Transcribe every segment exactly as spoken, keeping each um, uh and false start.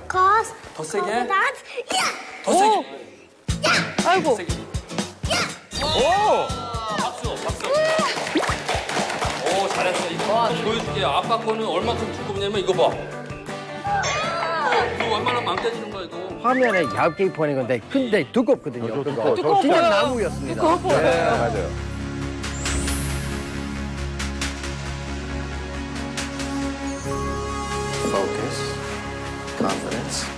because 더 세게? that. 더 세게. 아이고. 더 세게. 오! 박수, 박수. 오, 잘했어. 이거 보여줄게요. 아빠 거는 얼마큼 두껍냐면 이거 봐. 이거 얼마나 망가지는 거야, 이거. 화면에 얇게 보이는 건데 근데 두껍거든요. 그거. 두꺼워요. 진짜 나무였습니다. 두꺼워 보여요. 네, 맞아요. Focus, confidence.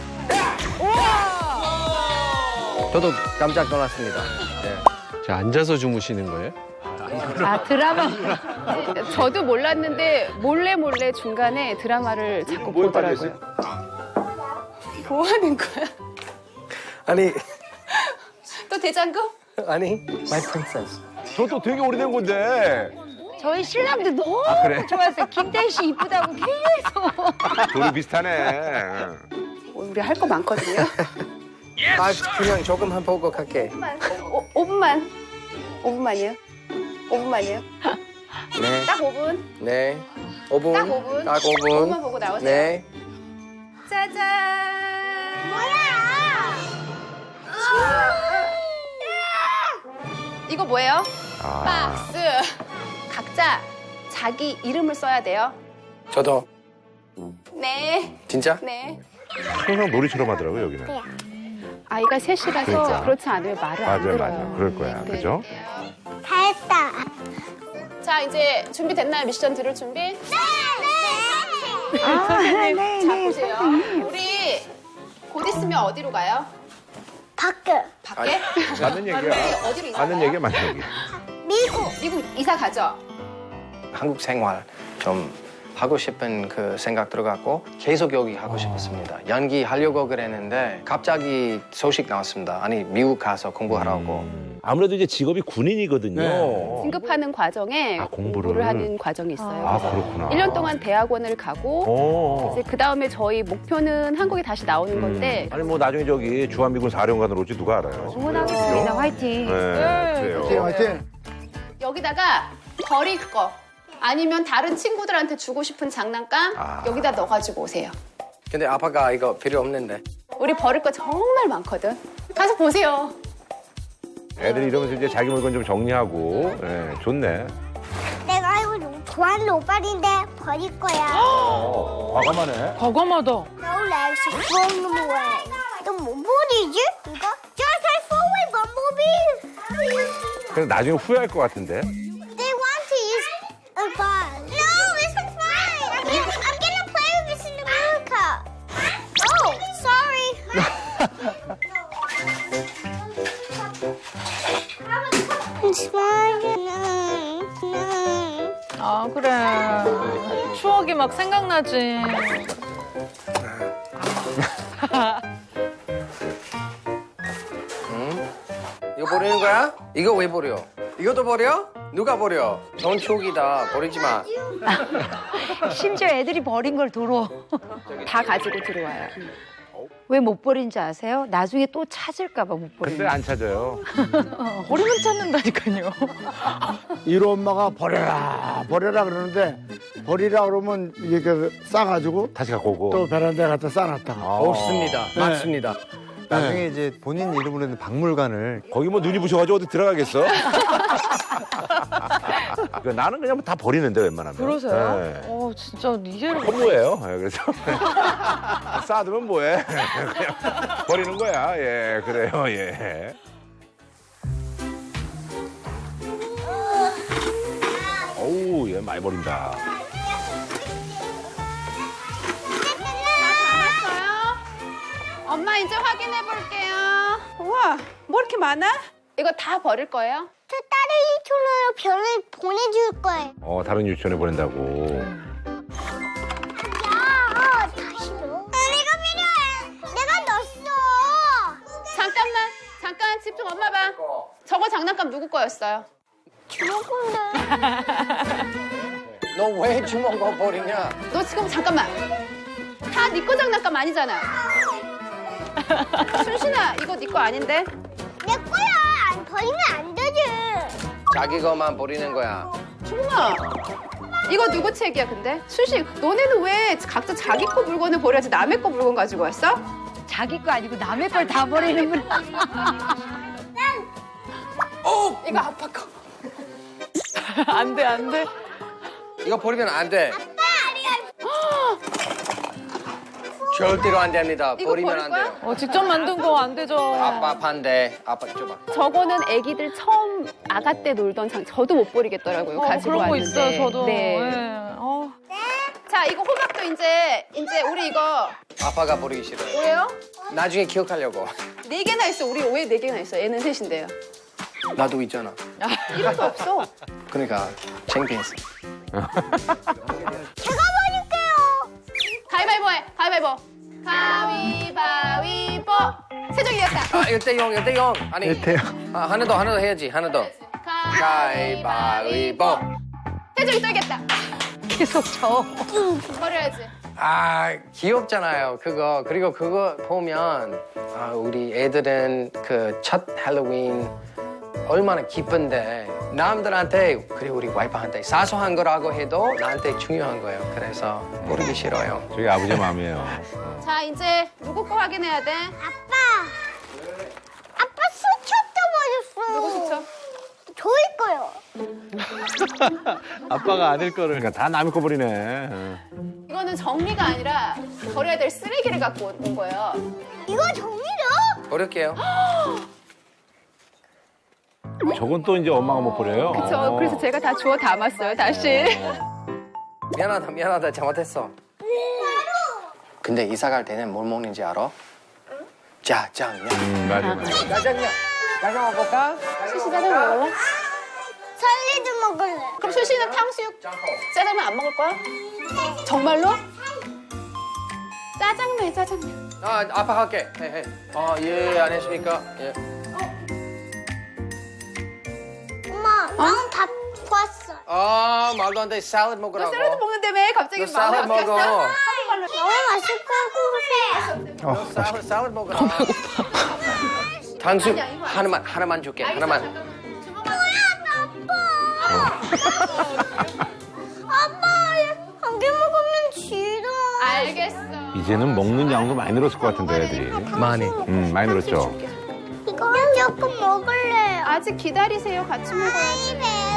저도 깜짝 놀랐습니다. 네. 자, 앉아서 주무시는 거예요? 아, 드라마. 저도 몰랐는데 몰래 몰래 중간에 드라마를 자꾸 뭐에 보더라고요. 뭐 하는 거야? 아니 또 대장금? 아니 my princess. 저도 되게 오래된 건데. 저희 신랑도 너무 그래? 좋았어요. 김태희 씨 이쁘다고 계속. 둘이 비슷하네. 우리 할 거 많거든요. 아 그냥 조금만 보고 갈게. 오, 오 분만. 오 분만이요? 오 분만이요? 네. 딱 오 분. 네. 오 분. 딱 오 분. 딱 오 오 분. 분만 보고 나오세요. 네. 짜잔. 이거 뭐예요? 아. 박스. 각자 자기 이름을 써야 돼요. 저도 네. 진짜? 네. 항상 놀이처럼 하더라고요, 여기는. 아이가 셋이라서 그러니까. 그렇지 않으면 말을 안 맞아요, 들어요. 맞아요. 그럴 거야, 네. 그죠? 다 했다. 자, 이제 준비됐나요? 미션 들을 준비? 네, 네. 아, 네, 네, 자, 보세요. 우리 곧 있으면 어디로 가요? 밖에. 밖에? 맞는 얘기야. 어디로 이사 맞는 가요? 얘기야, 맞는 얘기. 미국. 미국 이사 가죠? 한국 생활 좀 하고 싶은 그 생각 들어갔고 계속 여기 하고 싶었습니다. 연기 하려고 그랬는데 갑자기 소식 나왔습니다. 아니 미국 가서 공부하라고. 아무래도 이제 직업이 군인이거든요. 진급하는 과정에 아, 공부를. 공부를 하는 과정이 있어요. 아, 그래서 그렇구나. 일 년 동안 대학원을 가고 오. 이제 그 다음에 저희 목표는 한국에 다시 나오는 건데 아니 뭐 나중에 저기 주한미군 사령관으로 올지 누가 알아요? 응원하겠습니다. 화이팅. 네, 그래요. 화이팅. 여기다가 버릴 거 아니면 다른 친구들한테 주고 싶은 장난감 아. 여기다 넣어가지고 오세요. 근데 아빠가 이거 필요 없는데. 우리 버릴 거 정말 많거든. 가서 보세요. 애들이 이러면서 이제 자기 물건 좀 정리하고, 예, 좋네. 내가 이거 너무 좋아하는 옷빨인데 버릴 거야. 어, 과감하네. 과감하다. No legs, throwing them away. 너뭐 버리지? 이거? Just I throw away Bumblebee. 근데 나중에 후회할 것 같은데. They want to use a ball. No, this one's mine. I'm gonna, I'm gonna play with this in America. Oh, sorry. It's mine. 아 그래. 추억이 막 생각나지. 이거 버리는 거야? 이거 왜 버려? 이것도 버려? 누가 버려? 좋은 추억이다. 버리지 마. 심지어 애들이 버린 걸 도로. 다 가지고 들어와요. 왜 못 버린지 아세요? 나중에 또 찾을까 봐 못 버리는 근데 안 찾아요. 버리면 찾는다니까요. 이로 엄마가 버려라 버려라 그러는데 버리라 그러면 이렇게 싸가지고 다시 갖고 오고. 또 베란다에 갖다 싸놨다가 아. 없습니다. 맞습니다. 나중에 이제 본인 이름으로 있는 박물관을 거기 뭐 눈이 부셔가지고 어디 들어가겠어? 그 나는 그냥 다 버리는데 웬만하면. 그러세요? 네. 어 진짜 이해를. 허무해요. 예, 그래서 쌓아두면 뭐해? 그냥 버리는 거야. 예, 그래요. 예. 어우, 얘 많이 버린다. 엄마 이제 확인해 볼게요. 우와, 뭐 이렇게 많아? 이거 다 버릴 거예요? 저 다른 이촌으로 별을 보내줄 거예요. 어, 다른 유치원에 보낸다고. 야, 다시 넣어. 내가 필요해. 내가 넣었어. 잠깐만, 잠깐 집중. 엄마 봐. 저거 장난감 누구 거였어요? 주먹인데. 너 왜 주먹 거 버리냐? 너 지금 잠깐만. 다 네 거 장난감 아니잖아. 순신아, 이거 네 거 아닌데? 내 거야. 안 버리면 안 되지. 자기 것만 버리는 거야. 준아, 이거 누구 책이야 근데? 수식, 너네는 왜 각자 자기 거 물건을 버려야지 남의 거 물건 가지고 왔어? 자기 거 아니고 남의 걸 다 버리는구나. 어! 이거 아빠 거. 안 돼, 안 돼. 이거 버리면 안 돼. 절대로 안 됩니다. 이거 버리면 버릴 안 거야? 돼요. 어, 직접 만든 거 안 되죠. 아빠 반대. 아빠 줘봐. 저거는 아기들 처음 아가 때 놀던 장. 저도 못 버리겠더라고요. 어, 가지고 그런 거 왔는데. 있어요, 저도. 네. 예. 어. 자, 이거 호박도 이제 이제 우리 이거 아빠가 버리기 싫어요. 뭐예요? 나중에 기억하려고. 네 개나 있어. 우리 왜 네 개나 있어? 얘는 셋인데요. 나도 있잖아. 이것도 없어. 그러니까 창피했어. 제가 버릴게요. 가위바위보 해. 가위바위보. 가위바위보. 세종이 이겼다. 아, 일 대 영, 일 대 영. 아니, 일대요. 아, 하나 더, 하나 더 해야지, 하나 더. 가위바위보. 세종이 또 이겼다. 계속 져. 버려야지. 아, 귀엽잖아요, 그거. 그리고 그거 보면, 아, 우리 애들은 그 첫 할로윈 얼마나 기쁜데, 남들한테, 그리고 우리 와이프한테 사소한 거라고 해도 나한테 중요한 거예요. 그래서 모르기 싫어요. 저게 아버지 마음이에요. 자, 이제 누구 거 확인해야 돼? 아빠. 아빠 수첩도 버렸어. 누구 수첩? 저희 거요. 아빠가 아들 거를. 그러니까 다 남의 거 버리네. 어. 이거는 정리가 아니라 버려야 될 쓰레기를 갖고 온 거예요. 이거 정리죠? 버릴게요. 저건 또 이제 엄마가 못 버려요. 그쵸. 어. 그래서 제가 다 주워 담았어요, 다시. 미안하다, 미안하다, 잘못했어. 근데 이사 갈 때는 뭘 먹는지 알아? 짜장면. 음, 맞아, 맞아. 짜장면. 짜장 먹을까? 수시 짜장 먹을래? 설리도 먹을래. 그럼 수시는 탕수육 짜장면 안 먹을 거야? 정말로? 짜장면, 짜장면. 아, 아빠 할게. 해, 해. 아, 예, 안 했습니까? 예. 엄마, 나는 다 봤어. 아, 말도 안 돼. 샐러드 너 먹으라고. 샐러드 먹는다며? 갑자기 너 마음이 샐러드 먹어. 바뀌었어? 너무 맛있을 것 같아. 너 샐러드, 샐러드 먹으라. 당수 하나만, 하나만 줄게. 하나만. 아빠, 한 개 먹으면 싫어. 알겠어. 이제는 먹는 양도 많이 늘었을 것 같은데, 애들이. 많이. 음, 많이 늘었죠. 이거 조금 먹을래. 아직 기다리세요. 같이 먹어야지.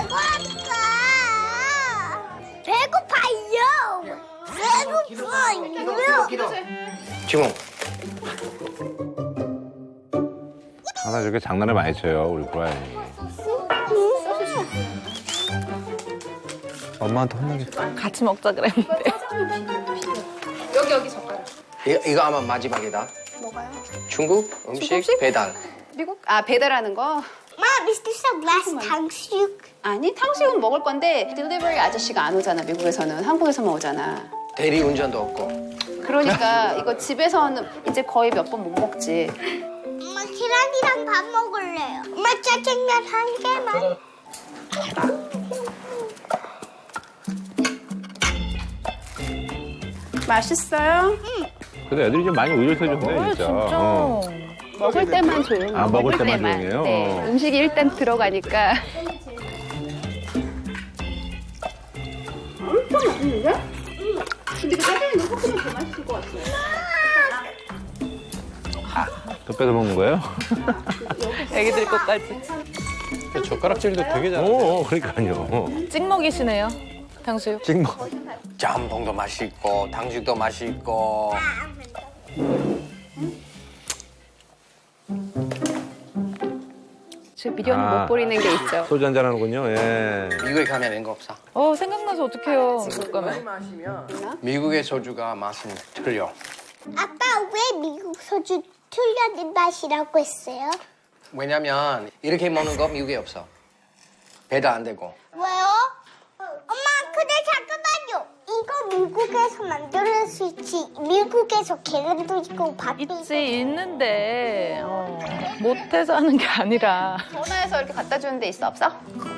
배고파. 배고파요. 배고파요. 지몽. 하나 저렇게 장난을 많이 쳐요, 우리 고라니. 엄마한테 혼나겠다. 같이 먹자 그랬는데. 여기, 여기 젓가락. 이거, 이거 아마 마지막이다. 뭐가요? 중국 음식, 중국 음식? 배달. 미국? 아, 배달하는 거? Mom, is this the last 탕수육? 아니, 탕수육은 먹을 건데 딜리버리 아저씨가 안 오잖아, 미국에서는. 한국에서만 오잖아. 대리 운전도 없고. 그러니까 이거 집에서는 이제 거의 몇 번 못 먹지. 엄마, 계란이랑 밥 먹을래요. 엄마, 짜장면 한 개만. 맛있어요? 근데 애들이 좀 많이 의젓해 줬네, 진짜. 어. 먹을 때만 조용히. 아, 먹을 때만 조용해요? 네, 어. 음식이 일단 들어가니까. 엄청 맛있는데? 근데 그 짜장면이 조금 더 맛있을 것 같아요. 또 뺏어 먹는 거예요? 애기들 것까지. 젓가락질도 되게 잘해. 어, 그러니까요. 찍먹이시네요. 탕수육. 찍먹. 짬뽕도 맛있고, 당죽도 맛있고. 저 미련을 아. 못 버리는 게 있죠. 소주 한잔 하는군요, 예. 미국에 가면 이런 거 없어. 어, 생각나서 어떡해요. 미국 가면. 마시면 미국의 소주가 맛은 틀려. 아빠, 왜 미국 소주 틀려진 맛이라고 했어요? 왜냐면 이렇게 먹는 거 미국에 없어. 배달 안 되고. 왜요? 엄마, 근데 잠깐만요. 이거 미국에서 만들었을지, 미국에서 계란도 있고 밥도 있고. 있지, 있는데. 어, 못해서 하는 게 아니라. 전화해서 이렇게 갖다 주는 데 있어, 없어?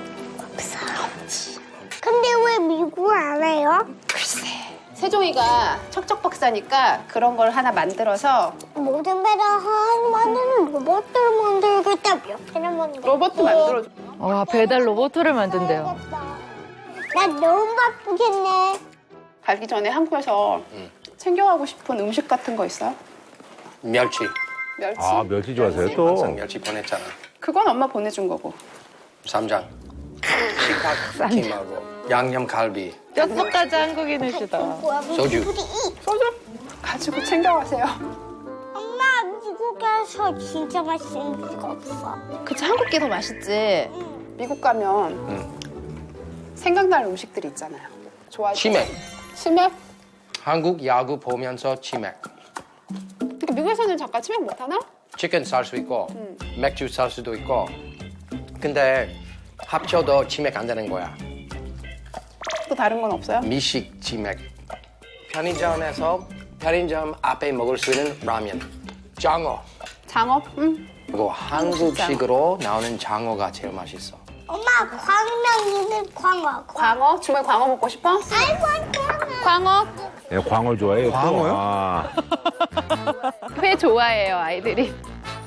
근데 왜 미국 안 해요? 글쎄. 세종이가 척척 박사니까 그런 걸 하나 만들어서 모든 배를 한 만드는 로봇을 만들겠다며. 배를 만들 로봇도 만들어줘. 와, 배달 로봇을 만든대요. 나 너무 바쁘겠네. 가기 전에 한국에서 챙겨가고 싶은 음식 같은 거 있어요? 멸치. 멸치? 아, 멸치 좋아하세요, 항상 또? 멸치 보냈잖아. 그건 엄마 보내준 거고. 쌈장. 식탁 김하고 양념 갈비. 뼛속까지 한국인이시다. 소주. 소주 가지고 챙겨가세요. 엄마 미국에서 진짜 맛있는 음식 없어. 그치, 한국 게 더 맛있지. 미국 가면 생각날 음식들이 있잖아요. 좋아할 때. 치맥. 치맥? 한국 야구 보면서 치맥. 그러니까 미국에서는 잠깐 치맥 못 하나? 치킨 살 수 있고 맥주 살 수도 있고. 근데 합쳐도 치맥 안 되는 거야. 또 다른 건 없어요? 미식 치맥. 편의점에서 편의점 앞에 먹을 수 있는 라면. 장어. 장어? 응. 그리고 한국식으로 나오는 장어가 제일 맛있어. 엄마 광명이는 광어. 광어? 주말 광어 먹고 싶어? I want 광어. 광어? 예, 광어를 좋아해요. 또. 광어요? 아, 회 좋아해요, 아이들이.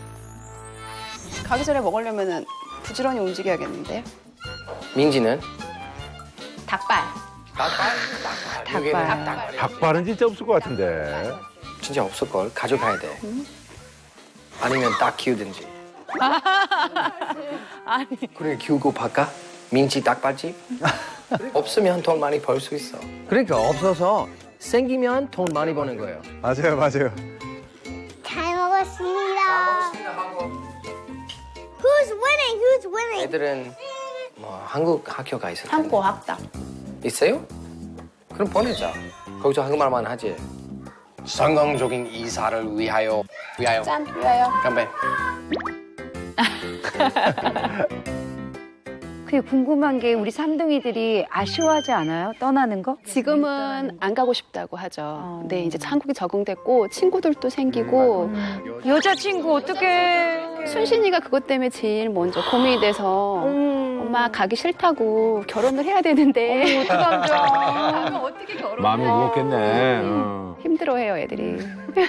가기 전에 먹으려면 부지런히 움직여야겠는데. 민지는? 닭발. 닭발? 닭발. 여기는 닭발. 닭발. 닭발은 진짜 없을 것 같은데. 진짜 없을걸. 가져가야 돼. 아니면 닭 키우든지. 아니. 그래 키우고 바까? 민지 닭발집? 없으면 돈 많이 벌 수 있어. 그러니까 없어서 생기면 돈 많이 버는 거예요. 맞아요, 맞아요. 잘 먹었습니다. Who's winning? Who's winning? 애들은 뭐 한국 학교가 있을 텐데. 한국 학당. 있어요? 그럼 보내자. 거기서 한국말만 하지. 성공적인 이사를 위하여. 위하여. 짠, 위하여. 건배. 그게 궁금한 게 우리 삼둥이들이 아쉬워하지 않아요? 떠나는 거? 지금은 안 가고 싶다고 하죠. 근데 이제 한국에 적응됐고 친구들도 생기고 여자친구 어떡해. 순신이가 그것 때문에 제일 먼저 고민이 돼서 엄마 가기 싫다고 결혼을 해야 되는데 어떡하죠? 가면 어떻게 결혼을 마음이 해? 무겁겠네. 어. 힘들어해요 애들이.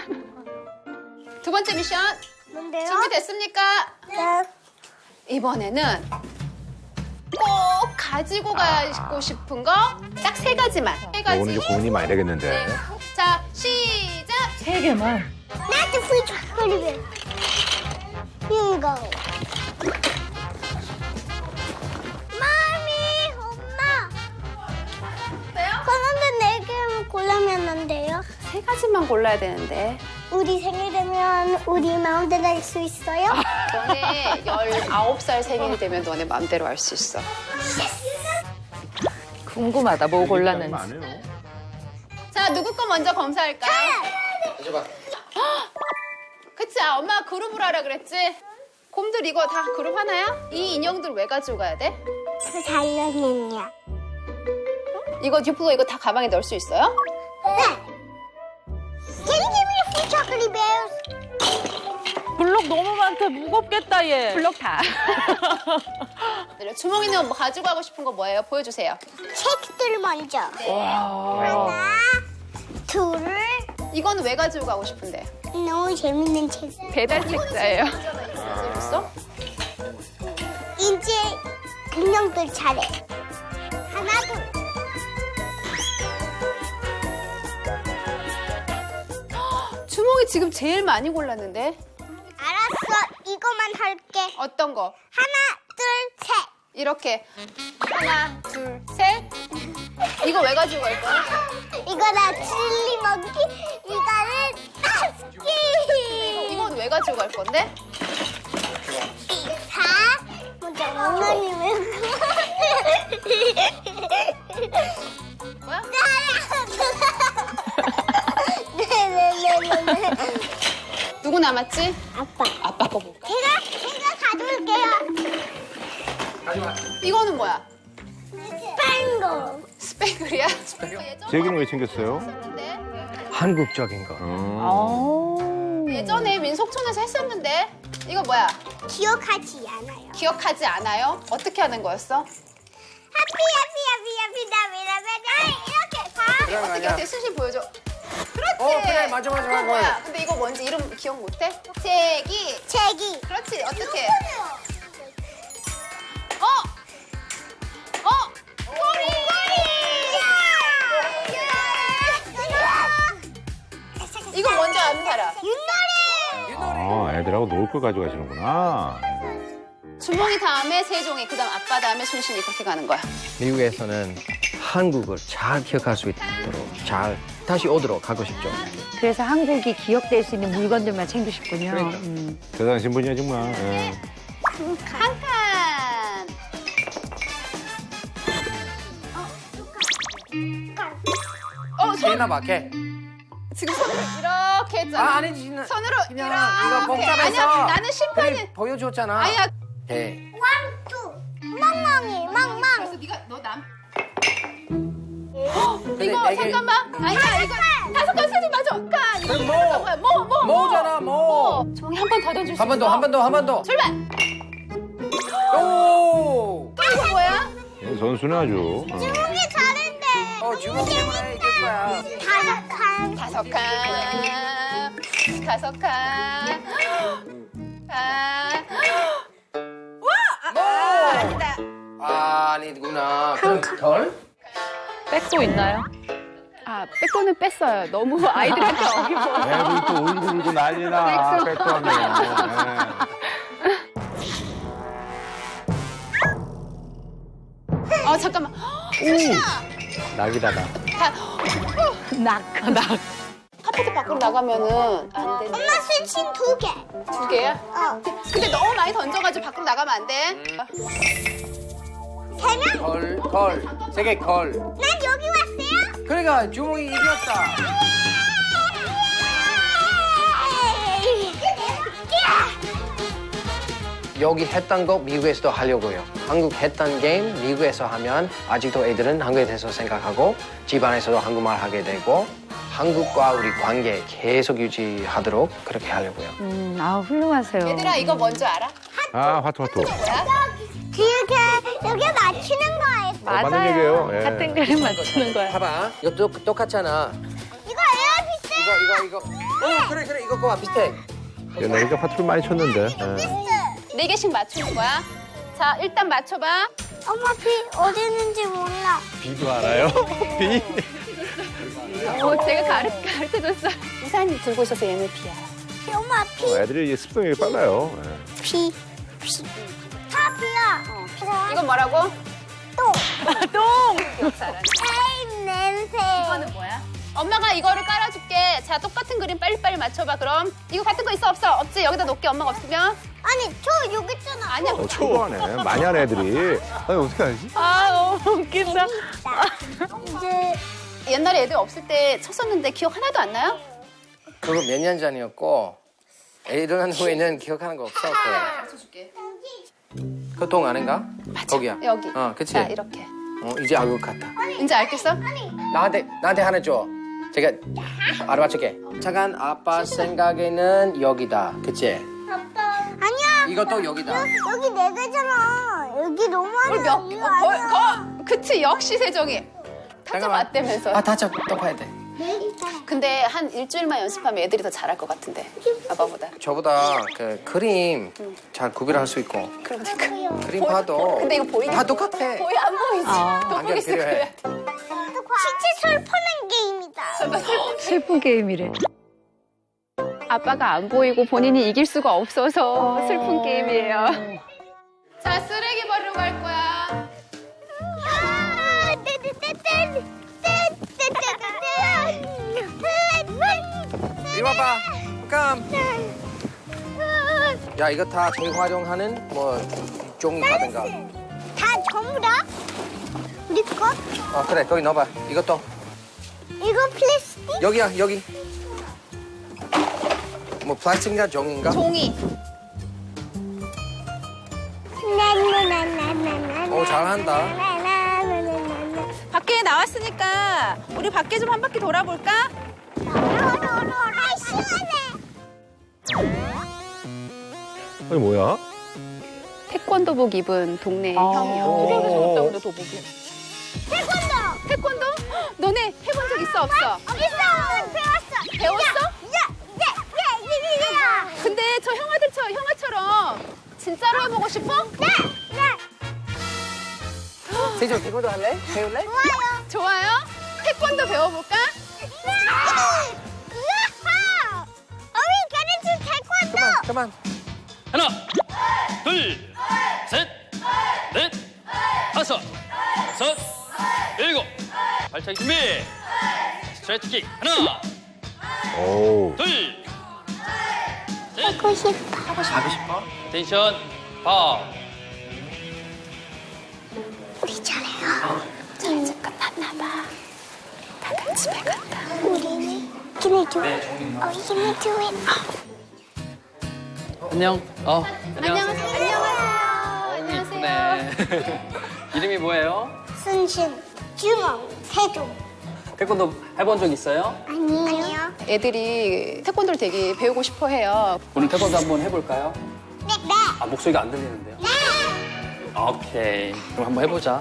두 번째 미션 뭔데요? 준비됐습니까? 네. 이번에는 꼭 가지고 가고 싶은 거 딱 세 가지만. 세 가지. 이거는 이제 고민이 많이 되겠는데. 자 시작. 세 개만. Not the free chocolate bear. Bingo. 마미, 엄마. 왜요? 그런데 네 개만 골라면 안 돼요? 세 가지만 골라야 되는데. 우리 생일 되면 우리 마음대로 할 수 있어요? 너네 열아홉 살 생일이 되면 너네 마음대로 할 수 있어. 궁금하다, 뭐 골랐는지. 많아요. 자, 누구 거 먼저 검사할까요? 가져봐. 그치, 아, 엄마 그룹으로 하라 그랬지? 곰들 이거 다 그룹 하나야? 이 인형들 왜 가지고 가야 돼? 그 잘렸느냐? 이거 듀플로 이거 다 가방에 넣을 수 있어요? 네. Can you give me the free chocolate bears? 블록 너무 많다, 무겁겠다, 얘. 블록 다. 주몽이는 뭐 가지고 가고 싶은 거 뭐예요? 보여주세요. 책들 먼저. 네. 하나, 둘. 이건 왜 가지고 가고 싶은데? 너무 재밌는 책. 배달 책자예요. 재밌어? 이제 금령들 차례. 하나, 둘. 주몽이 지금 제일 많이 골랐는데? 알았어, 이거만 할게. 어떤 거? 하나, 둘, 셋. 이렇게 하나, 둘, 셋. 이거 왜 가지고 갈 거야? 이거다 칠리 먹기, 이거는 따스키. 이건 왜 가지고 갈 건데? 사, 먼저 엉덩이 왜 뭐야? 네네네네. 누구 남았지? 아빠. 아빠 거 볼까? 제가 제가 가져올게요. 이거는 뭐야? 스팽글. 스팽글이야? 제기는 왜 챙겼어요? 했었는데? 한국적인 거. 음. 예전에 민속촌에서 했었는데 이거 뭐야? 기억하지 않아요. 기억하지 않아요? 어떻게 하는 거였어? 하피 하피 하피 하피 나비라비라 이렇게 봐. 그런 거 어떻게 아니야. 어떻게 순신 보여줘. 그렇지. 어, 그래, 맞아, 맞아, 그거 맞아. 뭐야? 근데 이거 뭔지 이름 기억 못해? 제기. 책이. 그렇지. 어떻게? 어? 어? 꼬리 꼬리. 아, 애들하고 놀 걸 가져가시는구나. 주몽이 다음에 세종이, 그다음 아빠 다음에 순신이 그렇게 가는 거야. 미국에서는 한국을 잘 기억할 수 있도록 잘 다시 오도록 하고 싶죠. 그래서 한국이 기억될 수 있는 물건들만 챙기셨군요. 그러니까. 음. 대단하신 분이야, 정말. 예. 한 칸. 어, 손 개나 봐, 개. 지금 손으로 이렇게 했잖아. 아, 아니지. 나- 손으로 그냥 이렇게. 이거 복잡해서. 아니야, 나는 심판이. 그래, 보여줬잖아. 아니야. 개. 멍멍이, 멍멍. 그래서 네가 너 남. 근데 이거 네 개- 잠깐만. 아니야, 이거 다섯 칸 세지 맞아. 칸. 이거 그럼 뭐? 뭐? 거야? 뭐, 뭐, 뭐. 뭐잖아, 뭐. 주몽이 한 번 더 던질 수 한 번 더, 있어. 한 번 더, 한 번 더. 출발. 오! 또 이거 뭐야? 예, 선수는 아주. 어. 주몽이 잘했네. 어, 주먹 때문에 이길 거야. 다섯 칸. 다섯 칸. 다섯 칸. 아. 와! 아니다. 아, 아니구나. 그럼 덜? 백도 있나요? 아, 백도는 뺐어요. 너무 아이들한테 어기고. 애들 또 울고 울고 난리나. 백도 하면. 어, 잠깐만. 낙이다, 낙. 낙. 낙. 카페트 밖으로 나가면은 안 된대. 엄마 순신 두 개. 두 개야? 어. 근데 너무 많이 던져가지고 밖으로 나가면 안 돼. 세 명? 걸, 걸. 세 개 걸. 난 여기 왔어요? 그러니까 주먹이 이겼다. 여기 했던 거 미국에서도 하려고요. 한국 했던 게임 미국에서 하면 아직도 애들은 한국에 대해서 생각하고 집안에서도 한국말 하게 되고 한국과 우리 관계 계속 유지하도록 그렇게 하려고요. 음, 아 훌륭하세요. 얘들아, 이거 뭔지 알아? 아, 화투, 화투. 뭐야? 이렇게 여기 맞추는 거예요. 맞는 얘기예요. 예. 같은 그림 맞추는 거야. 봐봐. 이것도 똑같잖아. 이거 에어 비슷해. 이거, 이거, 이거. 어, 그래, 그래. 이거 봐. 비슷해. 옛날에 화투를 많이 쳤는데. 예. 네 개씩 맞추는 거야. 자, 일단 맞춰봐. 엄마 비 어디 있는지 몰라. 비도 알아요? 비? 어, 제가 가르, 가르쳐줬어. 우산 들고 있어서 얘는 비야. 엄마 비, 어, 애들이 이제 습성이 빨라요. 예. 비, 비. 다 비야. 이건 뭐라고? 똥. 똥! 기억 잘하네. 에이 냄새. 이거는 뭐야? 엄마가 이거를 깔아줄게. 자, 똑같은 그림 빨리빨리 맞춰봐, 그럼. 이거 같은 거 있어, 없어? 없지? 여기다 놓게, 엄마가 없으면. 아니 저 여기 있잖아. 아니야. 어, 초보하네. 많이 하네, 애들이. 아니, 어떻게 알지? 아, 너무 웃긴다. 이제 옛날에 애들 없을 때 쳤었는데 기억 하나도 안 나요? 그거 몇 년 전이었고 애 일어난 후에는 기억하는 거 없어. 가르쳐줄게. 그똥 아닌가? 거기야. 여기. 어, 그치? 자, 이렇게. 어, 이제 알 것 같아. 이제 알겠어? 나한테 나한테 하나 줘. 제가 알아맞힐게. 잠깐 아빠 생각에는 여기다. 그치? 아니야. 이것도 여기다. 여기 네 개잖아. 여기 너무 우리 많아. 몇, 여기 어, 거, 아니야. 거, 그치, 역시 세종이. 타짜 잠깐만. 맞대면서. 아, 다쳐. 또 봐야 돼. 근데 한 일주일만 연습하면 애들이 더 잘할 것 같은데. 아빠보다. 저보다 그 그림 잘 구별할 수 있고 그러니까. 그림 봐도 근데 이거 보이긴 다 똑같아. 보이 안 보이지? 안경 돋보기 필요해. 스크래. 진짜 슬프는 게임이다. 슬픈 게임이래. 아빠가 안 보이고 본인이 이길 수가 없어서 슬픈 게임이에요. 자, 쓰레기 버리러 갈 거야. 아, 떼떼떼떼. 이리 와봐. 깜. 야, 이거 다 재활용하는 뭐 종이 카드인가? 다 전부 다? 우리 거? 어, 그래. 거기 넣어봐. 이것도. 이거 플라스틱? 여기야, 여기. 뭐 플라스틱인가 종인가? 종이. 나나나나나나. 오, 잘한다. 나나나나나나. 밖에 나왔으니까 우리 밖에 좀 한 바퀴 돌아볼까? 아, 시원해. 아니, 뭐야? 태권도복 입은 동네 아. 형이요. 그래서 저렇다, 근데 도복이. 태권도. 태권도? 헉, 너네 해본 적 있어, 없어? 있어. 배웠어. 배웠어? 야, 야, 야, 야, 야, 야. 근데 저 형아들처럼, 형아처럼 진짜로 해보고 싶어? 네, 네. 세종 태권도 할래? 배울래? 좋아요. 좋아요? 태권도 배워볼까? 우와! 우와! 어머니 가르친 태권도. 그만. 하나, 둘, 셋, 넷, 다섯, 여섯, 일곱. 발차기 준비. 스트레치킥. 하나, 오. 둘, 셋. 하고 싶어. 하고 싶어? 텐션 파. 우리 잘해요. 저 이제 끝났나 봐. 다들 집에 간다. 우리는 Can I do it? Oh, can I do it? 안녕. 어. 안녕하세요. 안녕하세요. 네. 이름이 뭐예요? 순신, 주먹, 태도. 태권도 해본 적 있어요? 아니요. 애들이 태권도를 되게 배우고 싶어 해요. 오늘 태권도 한번 해볼까요? 네, 네. 아, 목소리가 안 들리는데요? 네. 오케이. 그럼 한번 해보자.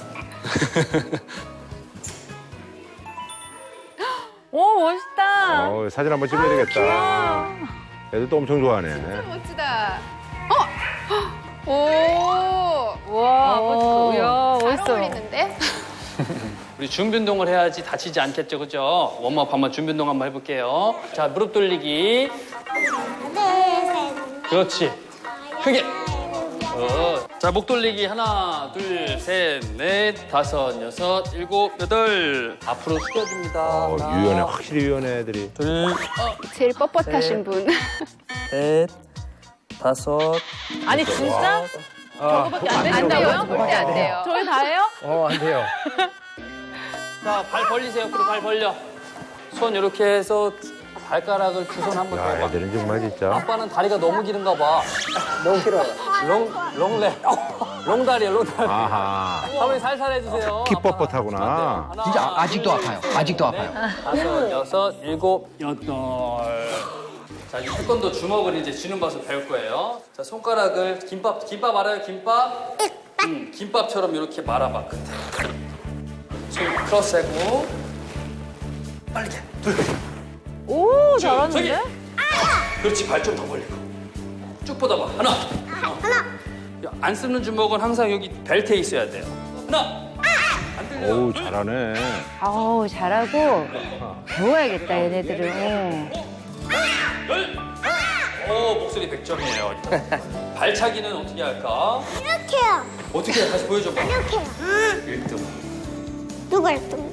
오, 멋있다. 어, 사진 한번 찍어야 되겠다. 애들도 엄청 좋아하네. 멋지다. 어? 오. 와, 멋있어. 야, 잘 멋있어. 어울리는데? 우리 준비 운동을 해야지 다치지 않겠죠, 그죠? 웜업 한번 준비 운동 한번 해볼게요. 자, 무릎 돌리기. 네, 그렇지. 크게. 어. 자, 목 돌리기. 하나, 둘, 셋, 넷, 다섯, 여섯, 일곱, 여덟. 앞으로 숙여줍니다. 어, 하나, 유연해, 확실히 유연해, 애들이. 둘, 제일 뻣뻣하신 분. 셋, 다섯. 아니, 진짜? 저거밖에 안 안 되죠? 돼요? 절대 안 돼요. 저희 다 해요? 어, 안 돼요. 자, 발 벌리세요. 옆으로 발 벌려. 손 이렇게 해서 발가락을 두 손 한번 야, 대봐. 애들은 정말 진짜. 아빠는 다리가 너무 길은가 봐. 너무 길어요. 롱, 롱레. 롱다리요, 롱다리. 아하. 한번 살살 해주세요. 키 아빠가. 뻣뻣하구나. 하나, 진짜 아직도 둘, 아파요. 아직도 넷, 아파요. 다섯, 여섯, 일곱, 여덟. 자, 이제 태권도 주먹을 이제 쥐는 맛을 배울 거예요. 자, 손가락을 김밥, 김밥 알아요? 김밥? 음, 김밥처럼 이렇게 말아봐, 끝에. 손 크로스하고. 빨리 해. 둘. 오, 쭉, 잘하는데? 저기. 그렇지, 발 좀 더 벌리고. 쭉 뻗어봐. 하나. 하나. 야, 안 쓰는 주먹은 항상 여기 벨트에 있어야 돼요. 하나. 안 들려. 어우, 둘. 잘하네. 아우, 잘하고 배워야겠다, 얘네들은. 열. 오, 목소리 백 점이에요. 발차기는 어떻게 할까? 이렇게요. 어떻게 해? 다시 보여줘봐. 이렇게요. 일 등. 누가 일 등?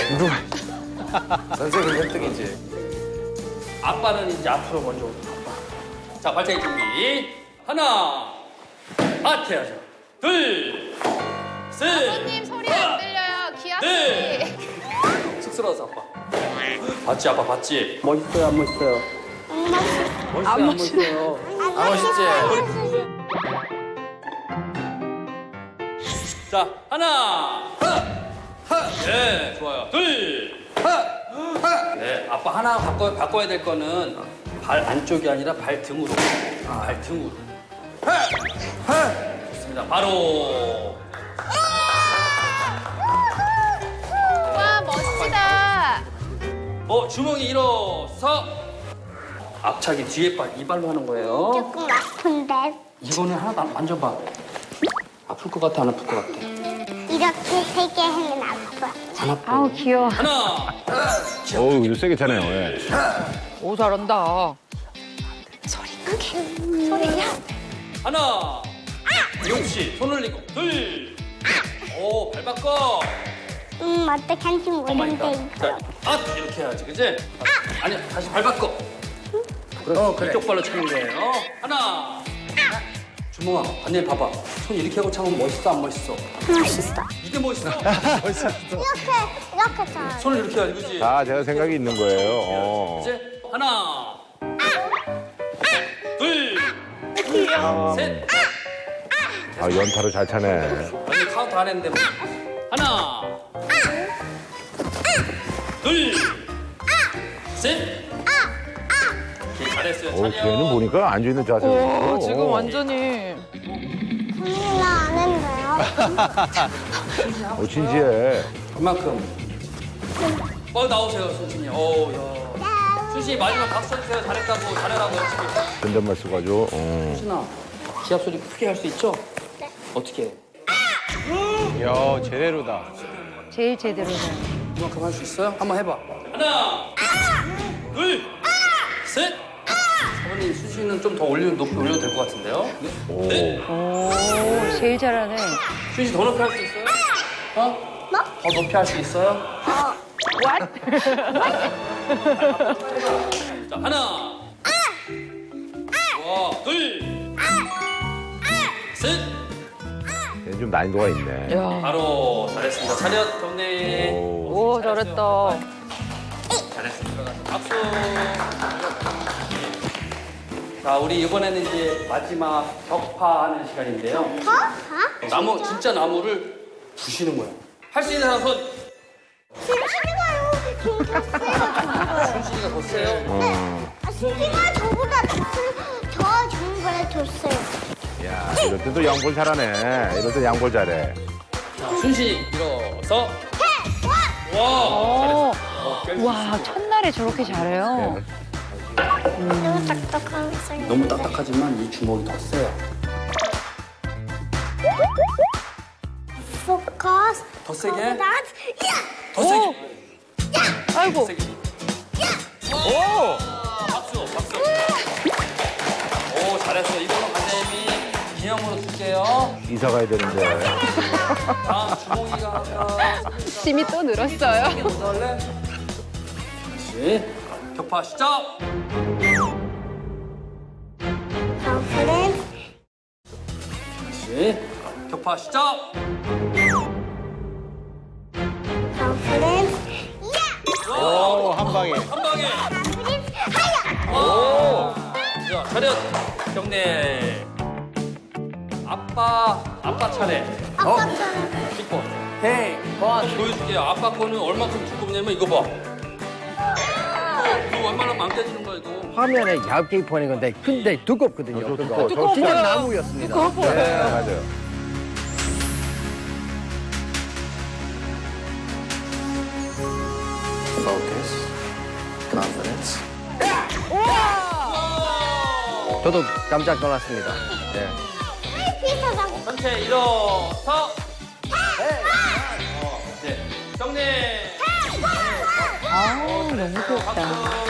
선생님 일 등이지. 아빠는 이제 앞으로 먼저. 아빠. 자, 발차기 준비. 하나. 하트 해야죠. 둘. 셋. 아버님 소리 안 들려요. 귀 아프지? 네. 쑥스러워서 아빠. 봤지, 아빠 봤지? 멋있어요, 안 멋있어요? 멋있어요, 안 멋있어요? 안 멋있지? 자, 하나. 하. 네, 좋아요. 둘. 하. 네, 아빠 하나 바꿔, 바꿔야 될 거는 발 안쪽이 아니라 발 등으로. 발 등으로. 좋습니다. 바로. 와, 멋지다. 어, 주먹이 일어서. 앞차기 뒤에 발, 이 발로 하는 거예요. 조금 아픈데. 이거는 하나도 안 만져봐. 아플 것 같아, 안 아플 것 같아? 이렇게 세 개 하면 아파. 안 아파. 아우, 귀여워. 하나. 어우, 이거 세게 차네요. 예. 오, 잘한다. 소리야. 하나. 용씨, 손 올리고. 둘. 오, 발 바꿔. 음, 어떻게 하는지 모르는데. 오마이갓. 자, 아, 이렇게 해야지, 그지? 아니야, 다시 발 바꿔. 어, 그래. 이쪽 발로 차는 거예요. 하나. 주몽아, 반일 봐봐. 손 이렇게 하고 차면 멋있어, 안 멋있어? 멋있어. 이게 멋있어? 이렇게, 이렇게 잘. 손을 이렇게 해야지, 그지? 아, 제가 생각이 있는 거예요. 어. 이제 하나, 둘, 셋. 아, 연타로 잘 차네. 아니 카운트 안 했는데 뭐. 하나, 둘, 셋. 오케이, 잘했어요. 어, 차려. 걔는 보니까 앉아있는 자세가. 오, 지금 완전히. 나안 했네요. 어, 진지해. 그만큼. 어 나오세요, 순진이. 어, 야. 순진이 마지막 박수 쳐주세요. 잘했다고, 잘해라고 열심히. 존댓말 써가지고. 어. 순아, 기합 소리 크게 할 수 있죠? 네. 어떻게 해? 야, 제대로다. 제일 제대로다. 그만큼 할 수 있어요? 한번 해봐. 하나, 둘, 셋. 형님 수시는 좀 더 올려 높이 올려도 될 것 같은데요? 네. 오, 제일 잘하네. 수시 더 높이 할 수 있어요? 어? 뭐? 더 높이 할 수 있어요? 어. 자 하나. 와 둘. 셋. 얘는 좀 난이도가 있네. 야. 바로 잘했습니다. 차렷 경례. 오. 오, 잘했다. 잘했습니다. 박수. 자, 우리 이번에는 이제 마지막 격파하는 시간인데요. 더? 더? 나무 진짜 나무를 부시는 거예요. 할 수 있는 사람 손. 순진이가 여기 좀 더 세요. 순신이가 더 세요. 어. 아, 순진이가 저보다 더, 세- 더 정말 더 세요. 야, 이럴 때도 양볼 잘하네. 이럴 때 양볼 잘해. 자, 순신이 일어서. 와, 어. 잘했어. 와, 첫날에 저렇게 잘해요. 너무 딱딱하게 생겼 너무 딱딱하지만 이 주먹이 더 세요. 포커스. 더 세게? 야! 더 세게. 아이고. 더 세게. 오! 박수, 박수. 오, 잘했어. 이걸로 과장님이 기념으로 줄게요. 이사 가야 되는데. 다음 주몽이가 하면 힘이 또 늘었어요. 할래? 다시 격파 시작. Confidence. 다시 격파 시작. Confidence. 오, 한 방에. 한 방에. Confidence. 하야! 오. 자, 차렷 경례. 아빠 아빠 차례. 아빠처럼. 킥보. 헤이. 번 보여줄게요. 아빠 거는 얼마큼 두껍냐면 이거 봐. 이거 웬만하면 안 깨지는 거야 이거. 화면에 얇게 보이는 건데 근데 두껍거든요. 어, 그거. 두꺼워. 진짜 나무였습니다. 네, 맞아요. Focus. Confidence. 저도 깜짝 놀랐습니다. 네. 비슷하다고. 전체 일어서. 네. 어, 네. 경례. 아우, 너무 귀엽다. 박수.